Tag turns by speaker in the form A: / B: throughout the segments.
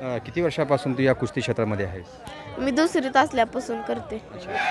A: किती वर्षापासून तू या कुस्ती क्षेत्रामध्ये आहेस?
B: मी दुसरीत असल्यापासून करते.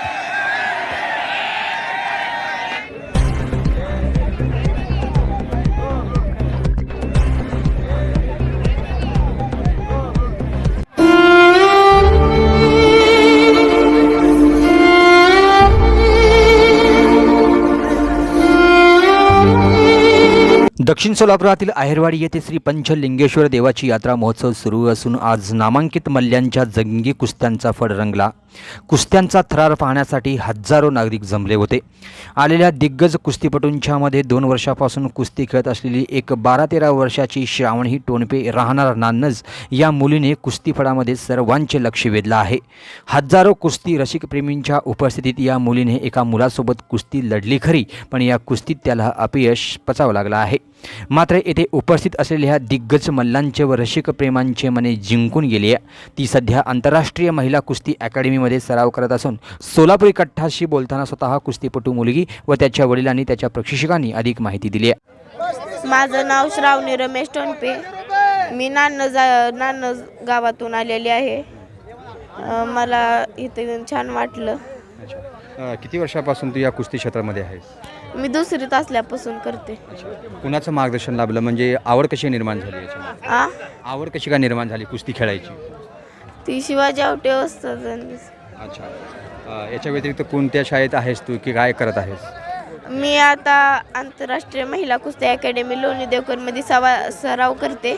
C: दक्षिण सोलापुरातील आहेरवाडी येथे श्री पंचलिंगेश्वर देवाची यात्रा महोत्सव सुरू असून आज नामांकित मल्ल्यांच्या जंगी कुस्त्यांचा फड रंगला. कुस्त्यांचा थरार पाहण्यासाठी हजारो नागरिक जमले होते. आलेल्या दिग्गज कुस्तीपटूंच्या मध्ये 2 वर्षापासून कुस्ती खेळत असलेली एक 12-13 वर्षाची श्रावणी टोणपे राहणार नान्नज या मुलीने कुस्तीफडामध्ये सर्वांचे लक्ष वेधलं आहे. हजारो कुस्ती रसिकप्रेमींच्या उपस्थितीत या मुलीने एका मुलासोबत कुस्ती लढली खरी, पण या कुस्तीत त्याला अपयश पचावं लागलं आहे. मात्र येथे उपस्थित असलेल्या दिग्गज मल्लांचे व रसिकप्रेमांचे मने जिंकून गेली आहे. ती सध्या आंतरराष्ट्रीय महिला कुस्ती अकॅडमीमध्ये सराव करत असून सोलापुरी कट्टाशी बोलताना स्वतः कुस्तीपटू मुलगी व त्याच्या वडिलांनी त्याच्या प्रशिक्षकांनी अधिक माहिती दिली आहे.
B: माझं नाव श्रावणी रमेश टोणपे. मी नान्नज गावातून आलेली आहे. मला इथे छान वाटलं.
A: किती वर्षापासून तू या कुस्ती क्षेत्रामध्ये आहेस?
B: मी दुसरीत असल्यापासून करते.
A: कुणाचं मार्गदर्शन लाभलं, म्हणजे आवड कशी निर्माण झाली याच्यामध्ये? आवड कशी काय निर्माण झाली कुस्ती खेळायची?
B: ती शिवाजी आवटे असतात.
A: अच्छा, याच्या व्यतिरिक्त कोणत्या शाळेत आहेस तू की काय करत आहेस?
B: मी आता आंतरराष्ट्रीय महिला कुस्ती अकॅडमी लोणी देवकरमध्ये सराव करते.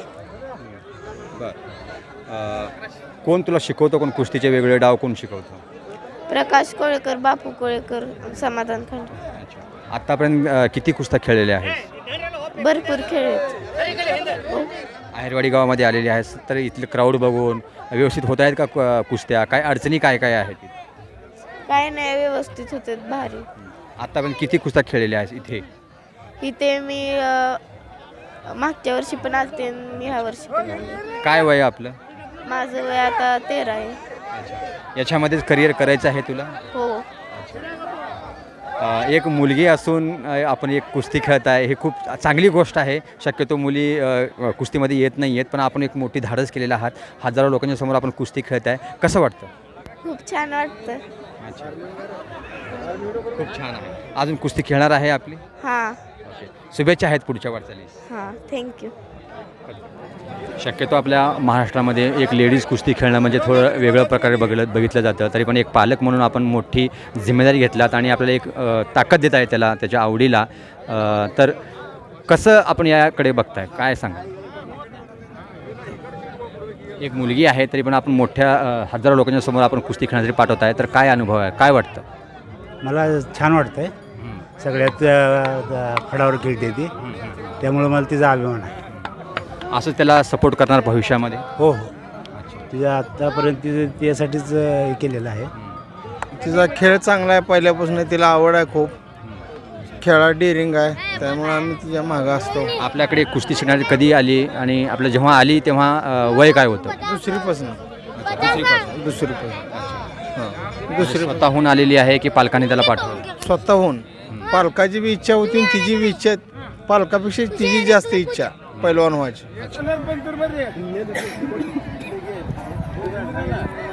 A: कोण तुला शिकवतो? कोण कुस्तीचे वेगळे डाव कोण शिकवतो?
B: प्रकाश कोळेकर, बापू कोळेकर, समाधान खांडे.
A: आतापर्यंत किती कुस्त्या खेळलेल्या आहेत?
B: भरपूर खेळ.
A: आहेरवाडी गावामध्ये आलेले आहेस तर इथले क्राऊड बघून व्यवस्थित होत आहेत का कुस्त्या? काय अडचणी काय काय आहेत?
B: काय नाही, व्यवस्थित होते, भारी.
A: आतापर्यंत किती कुस्त्या खेळलेल्या आहेत इथे?
B: इथे मी मागच्या वर्षी पण आलते, मी ह्या वर्षी पण आले.
A: काय वय आपलं?
B: माझं वय आता 13 आहे.
A: याच्यामध्येच करिअर करायचं आहे तुला?
B: हो.
A: एक मुलगी असून आपण एक कुस्ती खेळत आहे, हे खूप चांगली गोष्ट आहे. शक्यतो मुली कुस्तीमध्ये येत नाही आहेत, पण आपण एक मोठी धाडस केलेला आहात. हजारो लोकांच्या समोर आपण कुस्ती खेळत आहे. कसं वाटतं?
B: खूप छान वाटतं.
A: अच्छा, खूप छान आहे. अजून कुस्ती खेळणार आहे आपली?
B: हां.
A: शुभेच्छा आहेत पुढच्या वाटचालीस.
B: हां, थँक्यू.
A: शक्यतो आपल्या महाराष्ट्रामध्ये एक लेडीज कुस्ती खेळणं म्हणजे थोडं वेगळं प्रकारे बघितलं जातं. तरी पण एक पालक म्हणून आपण मोठी जिम्मेदारी घेतलात आणि आपल्याला एक ताकद देत आहे त्याला, त्याच्या आवडीला. तर कसं आपण याकडे बघताय, काय सांगा? एक मुलगी आहे तरी पण आपण मोठ्या हजारो लोकांच्या समोर आपण कुस्ती खेळण्यासाठी पाठवत आहे, तर काय अनुभव आहे, काय वाटतं?
D: मला छान वाटतं आहे. सगळ्यात फडावर खेळते ती, त्यामुळे मला तिचा अभिमान आहे.
A: असं त्याला सपोर्ट करणार भविष्यामध्ये?
D: हो हो. तिच्या आत्तापर्यंत त्यासाठीच हे केलेलं आहे.
E: तिचा खेळ चांगला आहे, पहिल्यापासून तिला आवड आहे खूप. खेळात डेअरिंग आहे, त्यामुळे आम्ही तिच्या मागं असतो.
A: आपल्याकडे कुस्ती शिकण्याची कधी आली आणि आपलं जेव्हा आली तेव्हा वय काय होतं?
E: दुसरीपासून.
A: दुसरी स्वतःहून आलेली आहे की पालकांनी त्याला पाठवलं?
E: स्वतःहून. पालकाची बी इच्छा होती, तिची बी इच्छा, पालकापेक्षा तिची जास्त इच्छा पैलवान व्हायची.